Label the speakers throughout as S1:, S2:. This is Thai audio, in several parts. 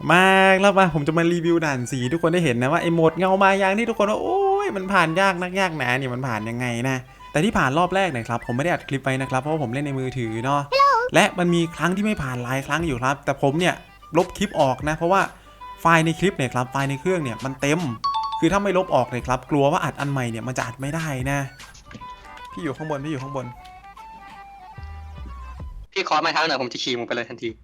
S1: มาแล้วมาผมจะมารีวิวด่านสีทุกคนได้เห็นนะว่าไอ้โหมดเงามายางที่ทุกคนว่าโอ้ยมันผ่านยากนักยากหนาเนี่ยมันผ่านยังไงนะแต่ที่ผ่านรอบแรกนะครับผมไม่ได้อัดคลิปไปนะครับเพราะว่าผมเล่นในมือถือเนาะและมันมีครั้งที่ไม่ผ่านหลายครั้งอยู่ครับแต่ผมเนี่ยลบคลิปออกนะเพราะว่าไฟล์ในคลิปเนี่ยครับไฟล์ในเครื่องเนี่ยมันเต็มคือถ้าไม่ลบออกเลยครับกลัวว่าอัดอันใหม่เนี่ยมันจะอัดไม่ได้นะพี่อยู่ข้างบน
S2: พี่ขอมาเท้าหน่อยผมจะขี่มึงไปเลยทันที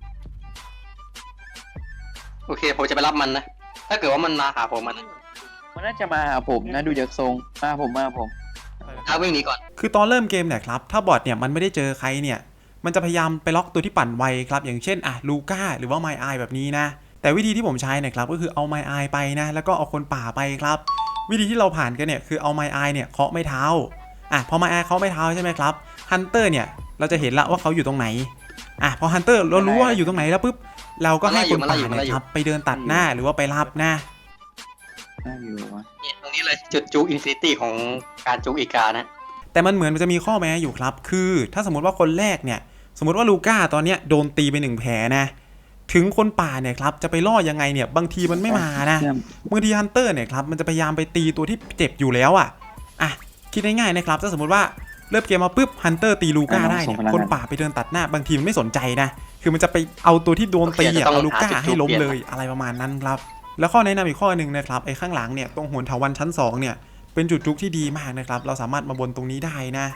S2: โอเคผมจะไปรับมันนะถ้าเกิดว่ามันมาหาผมมัน
S3: น่าจะมาหาผมนะดูจากทรงมาผม
S2: วิ่งหนีก่อน
S1: คือตอนเริ่มเกมเนี่ยครับถ้าบอทเนี่ยมันไม่ได้เจอใครเนี่ยมันจะพยายามไปล็อกตัวที่ปั่นไวครับอย่างเช่นลูก้าหรือว่าไมอายแบบนี้นะแต่วิธีที่ผมใช้เนี่ยครับก็คือเอาไมอายไปนะแล้วก็เอาคนป่าไปครับวิธีที่เราผ่านกันเนี่ยคือเอาไมอายเนี่ยเคาะไม่เท้าพอไมอายเคาะไม่เท้าใช่ไหมครับฮันเตอร์เนี่ยเราจะเห็นละว่าเขาอยู่ตรงไหนพอฮันเตอร์เรารู้ว่าอยู่ตรงไหนแล้วปุ๊บเราก็ให้คนป่าเนี่ยครับไปเดินตัดหน้าหรือว่าไปรับนะ
S3: น่าอยู่วะ
S2: ตรงนี้เลยจุดจูอินฟินิตี้ของการจูอีกานะ
S1: แต่มันเหมือนมันจะมีข้อแม้อยู่ครับคือถ้าสมมติว่าคนแรกเนี่ยสมมติว่าลูก้าตอนเนี้ยโดนตีไป1แผลนะถึงคนป่าเนี่ยครับจะไปล่อยังไงเนี่ยบางทีมันไม่มานะบางทีฮันเตอร์เนี่ยครับมันจะพยายามไปตีตัวที่เจ็บอยู่แล้วคิดง่ายๆนะครับถ้าสมมติว่าเริ่มเกมมาปุ๊บฮันเตอร์ตีลูก้าได้เนี่ยคนป่าไปเดินตัดหน้าบางทีมันไม่สนใจนะคือมันจะไปเอาตัวที่โดนตีเอาลูก้าให้ล้มเลยอะไรประมาณนั้นครับแล้วข้อแนะนำอีกข้อหนึ่งนะครับไอ้ข้างหลังเนี่ยตรงโหนเถาวัลย์ชั้น2เนี่ยเป็นจุดจุกที่ดีมากนะครับเราสามารถมาบนตรงนี้ได้นะ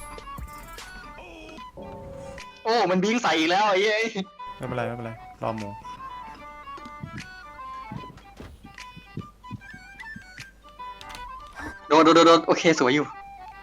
S2: โอ้มันบิงใส่อีกแล้วไอ้
S1: ไม่เป็นไรรอหมู
S2: โดนโอเคสวยอยู่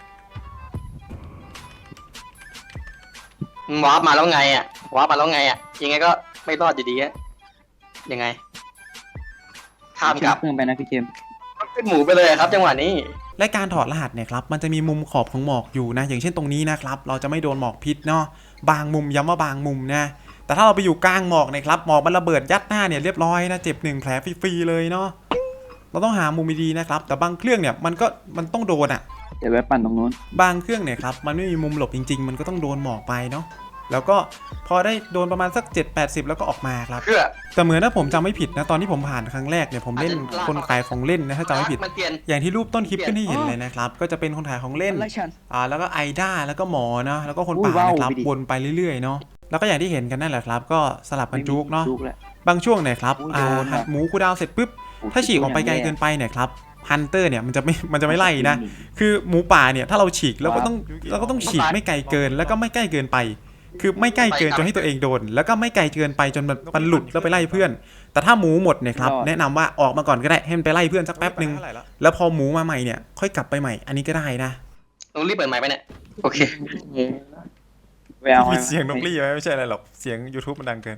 S2: วาร์ปมาแล้วไงยังไงก็ไม่รอดอยู่ดียังไงข้ามกลับ
S3: เครื่องไปนะพี่เจม
S2: เป็นหมูไปเลยครับจังหวะนี้
S1: และการถอดรหัสเนี่ยครับมันจะมีมุมขอบของหมอกอยู่นะอย่างเช่นตรงนี้นะครับเราจะไม่โดนหมอกพิษเนาะบางมุมย้ำว่าบางมุมนะแต่ถ้าเราไปอยู่กลางหมอกเนี่ยครับหมอกมันระเบิดยัดหน้าเนี่ยเรียบร้อยนะเจ็บ1แผลฟรีๆเลยเนาะเราต้องหามุมดีๆนะครับแต่บางเครื่องเนี่ยมันต้องโดน
S3: เดี๋ยวแวะปั่นตรงนู้น
S1: บางเครื่องเนี่ยครับมันไม่มีมุมหลบจริงๆมันก็ต้องโดนหมอกไปเนาะแล้วก็พอได้โดนประมาณสัก7-80แล้วก็ออกมาครับแต่เหมือนถ้าผมจำไม่ผิดนะตอนที่ผมผ่านครั้งแรกเนี่ยผมเล่นคนขายของเล่นนะถ้าจำไม่ผิดอย่างที่รูปต้นคลิปขึ้นให้เห็นเลยนะครับก็จะเป็นคนขายของเล่นแล้วก็ไอด้าแล้วก็หมอเนาะแล้วก็คนป่านะครับวนไปเรื่อยๆเนาะแล้วก็อย่างที่เห็นกันนั่นแหละครับก็สลับกันจุกเนาะบางช่วงเนี่ยครับหมูคูดาวเสร็จปุ๊บถ้าฉีกออกไปไกลเกินไปเนี่ยครับฮันเตอร์เนี่ยมันจะไม่ไล่นะคือหมูป่าเนี่ยถ้าเราฉีกเราก็ต้องฉีกไม่ไกลเกินแล้วก็ไม่ใกล้เกินไปคือไม่ใกล้เกินจนให้ตัวเองโดนแล้วก็ไม่ไกลเกินไปจนมันหลุดแล้วไปไล่เพื่อนแต่ถ้าหมูหมดเนี่ยครับแนะนำว่าออกมาก่อนก็ได้ให้มันไปไล่เพื่อนสักแป๊บนึงแล้วพอหมูมาใหม่เนี่ยค่อยกลับไปใหม่อันนี้ก็ได้นะ
S2: ต้องรีบเปิดใหม่ไปเนี่ยโอเค
S1: มีเสียงนกลี่ไม่ใช่อะไรหรอกเสียง YouTube มันดังเกิน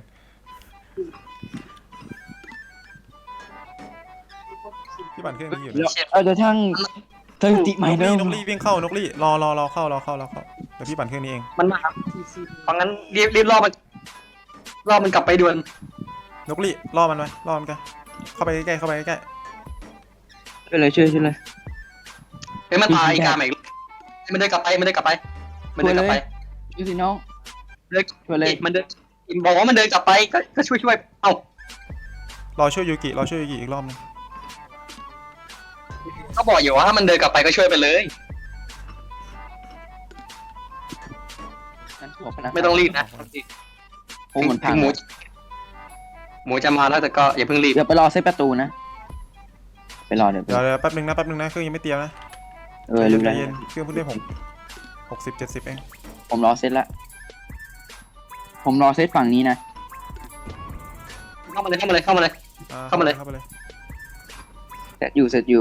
S1: พี่บันเครื่องนี้อยู่
S3: เดี๋ยวช่างสถิติใหม่เริ่ม
S1: นกลี่วิ่งเข้านกลี่รอเข้าเดี๋ยวพี่ปั่นเครื่องนี้เอง
S2: มันมาครับเพราะงั้นรีบรอมันกลับไปด่วน
S1: นกลี่รอมันกันเข้าไปใกล้ไป
S3: เลยช่วยเลย
S2: มันตายอีกาใหม่มันเดินกลับไป
S3: ยูสิน้อง
S2: เลยมันเดินบอกว่ามันเดินกลับไปก็ช่วยเอ้
S1: ารอช่วยยูกิอีกรอบนึง
S2: ก็บอกอยู่ว่าถ้ามันเดินกลับไปก็ช่วยไปเลยไม่ต้องรีบนะหมูจะมาแล้วแต่ก็อย่าเพิ่งรีบ
S3: เดี๋ยวไปรอเซฟประตูนะไปรอเดี๋ยว
S1: แป๊บนึงนะเครื่องยังไม่เตรียมนะใจเย็นเครื่องเพิ่งได้60-70เอง
S3: ผมรอเซตละผมรอเซตฝั่งนี้นะ
S2: เข้ามาเลย
S3: เสร็จอยู่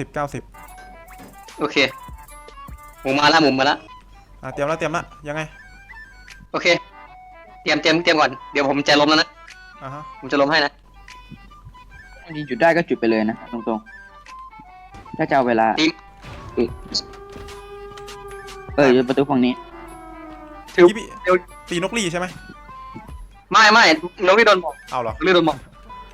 S2: 90โอเคหมูมาแล้ว
S1: เตรียมแล้วยังไง
S2: โอเคเตรียมก่อนเดี๋ยวผมจะล้มแล้วนะผมจะล้มให้นะ
S3: จุดได้ก็จุดไปเลยนะตรงๆถ้าจะเอาเวลาประตูฝั่งนี้
S1: ตีนกลี่ใช่ไหม
S2: ไม่นกลี่โดนหมอก
S1: เอาเหรอ
S2: โดนหมอก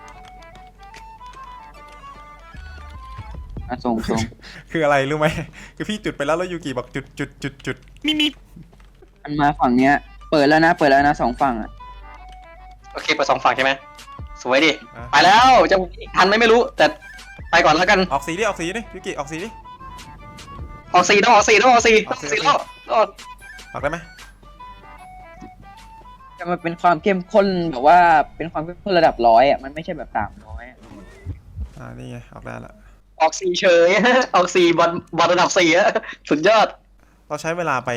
S3: ส่ง
S1: คืออะไรรู้ไหมคือพี่จุดไปแล้วยูกิบอกจุดมี
S3: มันมาฝั่งเนี้ยเปิดแล้วนะ2ฝั่ง
S2: โอเคเปิด2ฝั่งใช่ไหมสวยดิไปแล้วจะทันไหมไม่รู้แต่ไปก่อนแล้วกัน
S1: ออกสีดิยูกิออกสีดิ
S2: ออก4ต้องออก4ต้องออก4รอด
S1: ออกได้ไหม
S3: แต่มันเป็นความเข้มข้นแบบว่าเป็นความเข้มข้นระดับ100อ่ะมันไม่ใช่แบบ300อ่ะ
S1: นี่ไงออกได้ละ
S2: ออก4เฉยออก4บอลระดับ4อะสุดยอด
S1: เราใช้เวลาไป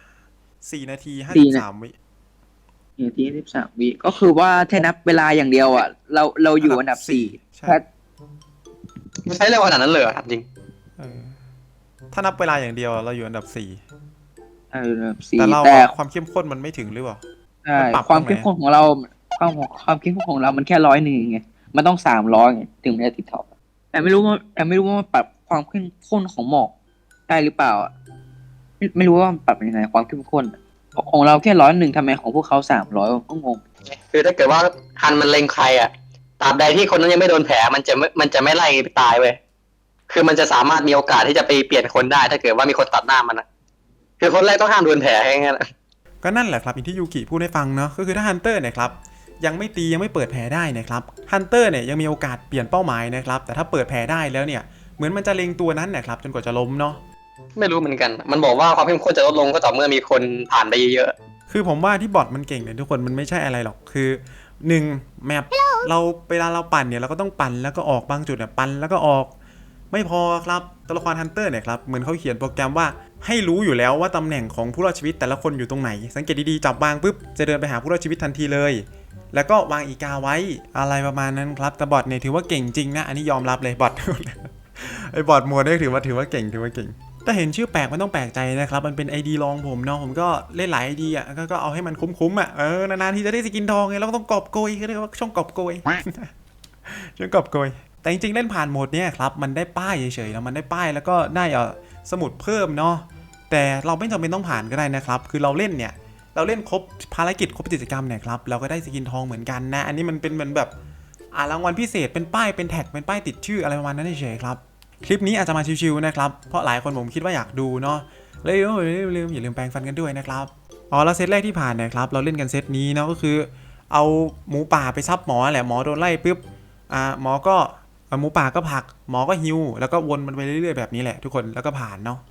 S1: 4 นาที 53 วิ
S3: นาที13 วิก็คือว่าถ้านับเวลาอย่างเดียวอ่ะเราอยู่อันดับ4
S1: ใช่
S3: ถ้า
S2: ไม่ใช่เร็วขนาดนั้นเลยเหรอถามจริง
S1: ถ้านับเวลาอย่างเดียวเราอยู่อันดับ
S3: อันดับ
S1: 4 แต่เรา
S3: 4แต่
S1: ความเข้มข้นมันไม่ถึงหรือเปล่า
S3: ใช่
S1: มันปรับ
S3: ความ
S1: ตรงไหน
S3: เข้มข้นของเราความเข้มข้นของเรามันแค่101ไงมันต้อง300ไงถึงมันจะติดท็อปแต่ไม่รู้ว่ามันปรับความเข้มข้นของหมอกได้หรือเปล่าอ่ะไม่รู้ว่ามันปรับยังไงความเข้มข้นอะของเราแค่101ทำไมของพวกเขา300ก็งง
S2: คือถ้าเกิดว่าฮันมันเล็งใครอ่ะตราบใดที่คนนั้นยังไม่โดนแผลมันจะไม่ไล่ไปตายเว้ยคือมันจะสามารถมีโอกาสที่จะไปเปลี่ยนคนได้ ถ้าเกิดว่ามีคนตัดหน้ามันนะคือคนแรกต้องห้ามโดนแผลให้งั้น
S1: ก็นั่นแหละครับอย่างที่ยูกิพูดให้ฟังเนาะก็คือถ้าฮันเตอร์เนี่ยครับยังไม่ตียังไม่เปิดแผลได้นะครับฮันเตอร์เนี่ยยังมีโอกาสเปลี่ยนเป้าหมายนะครับแต่ถ้าเปิดแผลได้แล้วเนี่ยเหมือนมันจะเล็งตัวนั้นนะครับจนกว่าจะล้มเนาะ
S2: ไม่รู้เหมือนกัน มันบอกว่าความเข้มข้นจะลดลงก็ต่อเมื่อมีคนผ่านไปเยอะ
S1: คือผมว่าที่บอทมันเก่งเนี่ยทุกคนมันไม่ใช่อะไรหรอกคือ1แมปเราเวลาเราปั่นเนี่ยเราก็ต้องปั่นแล้วก็ออกบางจุดเนี่ยปั่นแล้วก็ออกไม่พอครับตัวละครฮันเตอร์เนี่ยครับเหมือนเขาเขียนโปรแกรมว่าให้รู้อยู่แล้วว่าตำแหน่งของผู้รอดชีวิตแต่ละคนอยู่ตรงไหนสังเกตดีๆจับวางปุ๊บจะเดินไปหาผู้รอดชีวิตทันทีเลย แล้วก็วางอีกาไว้อะไรประมาณนั้นครับแต่บอทเนี่ยถือว่าเก่งจริงนะอันนี้ยอมรับเลยบอท ไอ้บอทมัวเนี่ยถือว่าเก่งแต่เห็นชื่อแปลกมันต้องแปลกใจนะครับมันเป็น ID ลองผมเนาะผมก็เล่นหลาย ID อ่ะก็เอาให้มันคุ้มๆอ่ะนานๆทีจะได้สกินทองไงเราก็ต้องกอบโกยเขาเรียกว่าช่องกอบโกย ช่องกอบโกยแต่จริงๆเล่นผ่านโหมดเนี้ยครับมันได้ป้ายเฉยๆนะมันได้ป้ายแล้วก็ได้สมุดเพิ่มเนาะแต่เราไม่จำเป็นต้องผ่านก็ได้นะครับคือเราเล่นเนี่ยเราเล่นครบภารกิจครบกิจกรรมเนี่ยครับเราก็ได้สกินทองเหมือนกันนะอันนี้มันเป็นเหมือนแบบรางวัลพิเศษเป็นป้ายเป็นแท็กเป็นป้ายติดชื่ออะไรประมาณนั้นเฉยๆครับคลิปนี้อาจจะมาชิวๆนะครับเพราะหลายคนผมคิดว่าอยากดูเนาะเลยอย่าลืมแปรงฟันกันด้วยนะครับแล้วเซตแรกที่ผ่านเนี่ยครับเราเล่นกันเซตนี้เนาะก็คือเอาหมูป่าไปซับหมอแหละหมอโดนไล่ปุ๊บหมอก็หมูป่าก็ผลักหมอก็ฮิวแล้วก็วนมันไปเรื่อยๆแบบนี้แหละทุกคนแล้วก็ผ่านเนาะ